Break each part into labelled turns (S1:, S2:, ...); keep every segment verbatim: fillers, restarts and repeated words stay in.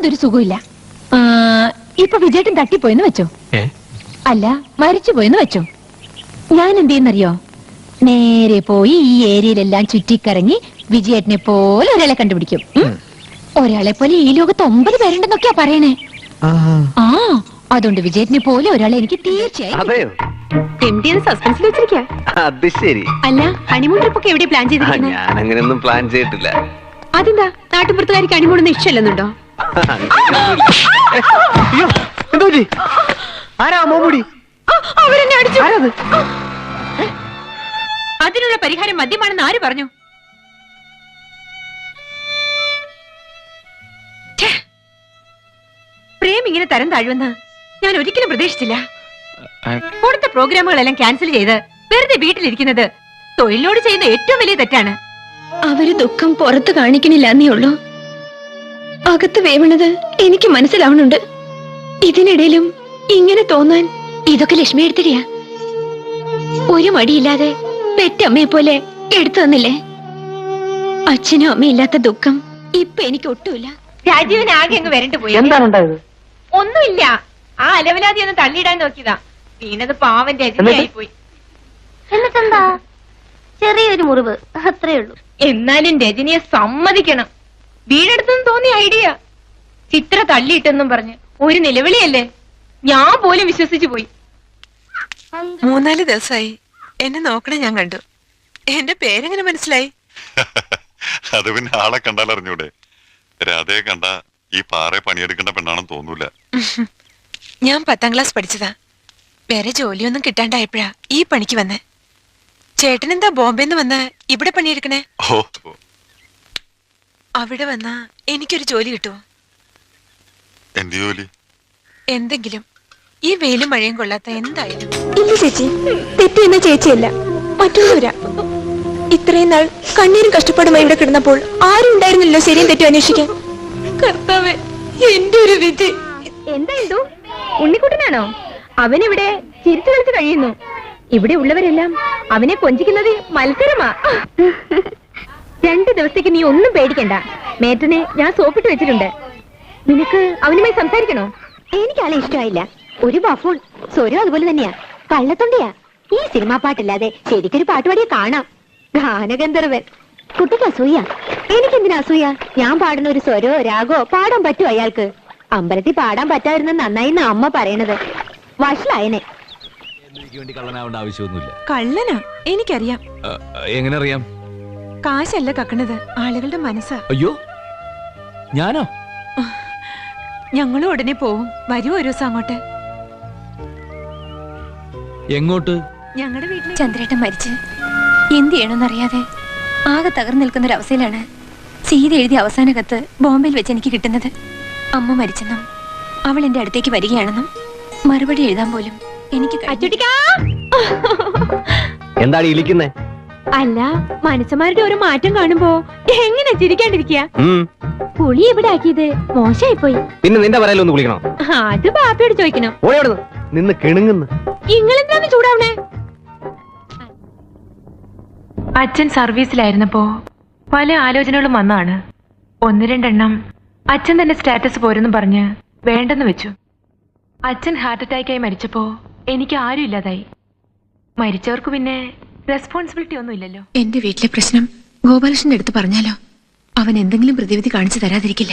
S1: യാതൊരു സുഖമില്ല. ഇപ്പൊ വിജയേട്ടൻ തട്ടിപ്പോയെന്ന് വെച്ചോ, അല്ല മരിച്ചുപോയെന്ന് വെച്ചോ, ഞാൻ എന്ത് ചെയ്യുന്നറിയോ? നേരെ പോയി ഈ ഏരിയയിലെല്ലാം ചുറ്റിക്കറങ്ങി വിജയേട്ടനെ പോലെ ഒരാളെ കണ്ടുപിടിക്കും. ഒരാളെ പോലെ ഈ ലോകത്ത് ഒമ്പത് പേരുണ്ടെന്നൊക്കെയാ പറയണേ. ആ അതുകൊണ്ട് വിജയേട്ടനെ പോലെ ഒരാളെ എനിക്ക് തീർച്ചയായും. അല്ല ഹണിമൂൺ ട്രിപ്പ് ഒക്കെ എവിടെ പ്ലാൻ ചെയ്തിരിക്കുന്നത്?
S2: ഞാൻ അങ്ങനെയൊന്നും പ്ലാൻ ചെയ്തിട്ടില്ല.
S1: അതെന്താ നാട്ടുപുറത്തുകാർക്ക് ഹണിമൂണൊന്നും ഇഷ്ടമല്ലെന്നുണ്ടോ? അവരെന്നെ അടിച്ചു. അതിനുള്ള പരിഹാരം മദ്യമാണെന്ന് ആര് പറഞ്ഞു? പ്രേം ഇങ്ങനെ തരം താഴുമെന്ന് ഞാൻ ഒരിക്കലും പ്രതീക്ഷിച്ചില്ല. കൊടുത്ത പ്രോഗ്രാമുകളെല്ലാം ക്യാൻസൽ ചെയ്ത് വെറുതെ വീട്ടിലിരിക്കുന്നത് തൊഴിലോട് ചെയ്യുന്ന ഏറ്റവും വലിയ തെറ്റാണ്. അവര് ദുഃഖം പുറത്ത് കാണിക്കണില്ല എന്നേ ഉള്ളൂ, അകത്ത് വേവണത് എനിക്ക് മനസ്സിലാവണുണ്ട്. ഇതിനിടയിലും ഇങ്ങനെ തോന്നാൻ ഇതൊക്കെ ലക്ഷ്മി എടുത്തിരിയാ. ഒരു മടിയില്ലാതെ പെറ്റമ്മയെ പോലെ എടുത്തു തന്നില്ലേ? അച്ഛനും അമ്മയില്ലാത്ത ദുഃഖം ഇപ്പൊ എനിക്ക് ഒട്ടുമില്ല. രാജീവൻ ആകെ അങ്ങ് വരണ്ടു പോയി.
S3: എന്താണുണ്ടായത്?
S1: ഒന്നുമില്ല, ആ അലവലാതി ഒന്ന് തള്ളിയിടാൻ നോക്കിയതാ. വീണത് പാവൻ രജനിയായി പോയി.
S4: എന്നിട്ടെന്താ, ചെറിയൊരു മുറിവ് അത്രേ ഉള്ളൂ.
S1: എന്നാലും രജനിയെ സമ്മതിക്കണം. വീടെടുത്തെന്ന് തോന്നിയ ഐഡിയ ചിത്ര തള്ളിയിട്ടെന്നും പറഞ്ഞ് ഒരു നിലവിളിയല്ലേ, ഞാൻ പോലും വിശ്വസിച്ചു പോയി.
S5: മൂന്നാല് ദിവസമായി എന്നെ നോക്കണേ ഞാൻ കണ്ടു. എന്റെ പേരെങ്ങനെ മനസ്സിലായി?
S6: അത് പിന്നെ ആളെ കണ്ടാൽ അറിഞ്ഞൂടെ? രാധയെ കണ്ട ഈ പാറ പണിയെടുക്കേണ്ട പെണ്ണാണെന്ന് തോന്നൂല.
S5: ഞാൻ പത്താം ക്ലാസ് പഠിച്ചതാ. വേറെ ജോലിയൊന്നും കിട്ടാണ്ടായപ്പോഴാ ഈ പണിക്ക് വന്നേ. ചേട്ടനെന്താ ബോംബെന്ന് വന്ന് ഇവിടെ പണിയെടുക്കണേ?
S6: ഓ,
S5: അവിടെ വന്നാ എനിക്കൊരു ജോലി കിട്ടുമോ?
S6: എന്ത് ജോലി?
S5: എന്തെങ്കിലും, ഈ വെയിലും മഴയും കൊള്ളാത്ത എന്തായാലും.
S7: ഇല്ല ചേച്ചി, തെറ്റെന്ന ചേച്ചിയല്ല, മറ്റൊന്നുമില്ല. ഇത്രയും നാൾ കണ്ണീരും കഷ്ടപ്പാടുമായി ഇവിടെ കിടന്നപ്പോൾ ആരും ഉണ്ടായിരുന്നില്ലോ ശരിയും തെറ്റും അന്വേഷിക്കാൻ.
S1: കർത്താവേ, എന്റെ ഒരു വിധി. എന്താ ഉണ്ണിക്കുട്ടനാണോ? അവനിവിടെ ചിരിച്ചു കളിച്ച് കഴിയുന്നു. ഇവിടെ ഉള്ളവരെല്ലാം അവനെ കൊഞ്ചിക്കുന്നത് മത്സരമാ. രണ്ടു ദിവസത്തേക്ക് നീ ഒന്നും പേടിക്കണ്ട. മേറ്റനെ ഞാൻ സോപ്പിട്ട് വെച്ചിട്ടുണ്ട്. നിനക്ക് അവനുമായി സംസാരിക്കണോ?
S4: എനിക്കാളെ ഇഷ്ടമായില്ല. ഒരു ബഫൂൺ, സ്വരം അതുപോലെ തന്നെയാ, കള്ളത്തൊണ്ടിയാ. ഈ സിനിമാ പാട്ടില്ലാതെ ശരിക്കൊരു പാട്ടുപാടിയെ കാണാം. ഗാനഗന്ധർവൻ. കുട്ടിക്ക് അസൂയ. എനിക്കെന്തിനാ അസൂയ? ഞാൻ പാടുന്ന ഒരു സ്വരോ രാഗോ പാടാൻ പറ്റുമോ അയാൾക്ക്? അമ്പലത്തിൽ പാടാൻ പറ്റാതിരുന്ന നന്നായി അമ്മ പറയണത്. വഷളായനെ.
S8: കള്ളനാവേണ്ട ആവശ്യമൊന്നുമില്ല.
S5: കള്ളനാ? എനിക്കറിയാം.
S8: എങ്ങനെ അറിയാം?
S5: കാശല്ല കക്കണത്, ആളുകളുടെ മനസ്സാ.
S8: അയ്യോ, ഞാനോ?
S5: ഞങ്ങളും ഉടനെ പോവും. വരുമോ ഒരു ദിവസം അങ്ങോട്ട്?
S8: എങ്ങോട്ട്?
S5: ഞങ്ങളുടെ വീട്ടിൽ.
S1: ചന്ദ്രേട്ടൻ മരിച്ച് എന്ത് ചെയ്യണമെന്നറിയാതെ ആകെ തകർന്നു നിൽക്കുന്ന ഒരു അവസ്ഥയിലാണ് സീത എഴുതിയ അവസാന കത്ത് ബോംബെയിൽ വെച്ച് എനിക്ക് കിട്ടുന്നത്. അമ്മ മരിച്ചെന്നും അവൾ എന്റെ അടുത്തേക്ക് വരികയാണെന്നും മറുപടി എഴുതാൻ പോലും എനിക്ക്.
S2: എന്താണ് ഇരിക്കുന്നേ?
S1: അല്ല, മനുഷ്യന്മാരുടെ ഒരു മാറ്റം കാണുമ്പോ എങ്ങനെ ചിരിക്കാണ്ടിരിക്കുക? പുളി എവിടെ ആക്കിയത് മോശമായി പോയി.
S2: പിന്നെ നിന്റെ പറയലൊന്ന് കുളിക്കണോ?
S1: അത് ബാപ്പയോട് ചോദിക്കണം.
S2: നിന്ന് കിണുങ്ങുന്നു.
S1: നിങ്ങളെന്താണ് ചൂടാവണേ?
S5: അച്ഛൻ സർവീസിലായിരുന്നപ്പോ പല ആലോചനകളും വന്നാണ്. ഒന്ന് രണ്ടെണ്ണം അച്ഛൻ തന്നെ സ്റ്റാറ്റസ് പോരെന്ന് പറഞ്ഞ് വേണ്ടെന്ന് വെച്ചു. അച്ഛൻ ഹാർട്ട് അറ്റാക്കായി മരിച്ചപ്പോ എനിക്ക് ആരും ഇല്ലാതായി. മരിച്ചവർക്ക് പിന്നെ റെസ്പോൺസിബിലിറ്റി ഒന്നും ഇല്ലല്ലോ.
S1: എന്റെ വീട്ടിലെ പ്രശ്നം ഗോപാലകൃഷ്ണന്റെ അടുത്ത് പറഞ്ഞാലോ അവൻ എന്തെങ്കിലും പ്രതിവിധി കാണിച്ചു തരാതിരിക്കില്ല.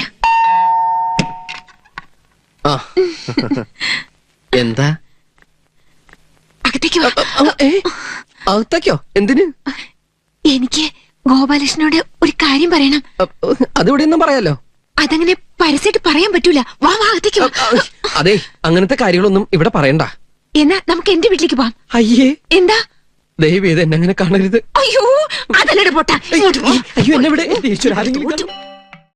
S3: എന്താ?
S1: അകത്തേക്ക്
S3: അകത്തേക്കോ? എന്തിന്?
S1: എനിക്ക് ഗോപാലകൃഷ്ണനോട് ഒരു കാര്യം പറയണം.
S3: അതിവിടെ ഒന്നും പറയാലോ.
S1: അതങ്ങനെ പരസ്യമായിട്ട് പറയാൻ പറ്റൂല. വാ വാ അകത്തേക്ക് വാ.
S3: അതെ, അങ്ങനത്തെ കാര്യങ്ങളൊന്നും ഇവിടെ പറയണ്ട.
S1: എന്നാ നമുക്ക് എന്റെ വീട്ടിലേക്ക് പോവാം.
S3: അയ്യേ,
S1: എന്താ?
S3: ദയവേത് എന്നെ അങ്ങനെ കാണരുത്.
S1: അയ്യോ, അതല്ലട പൊട്ട.
S3: അയ്യോ, എന്നെ ഇവിടെ.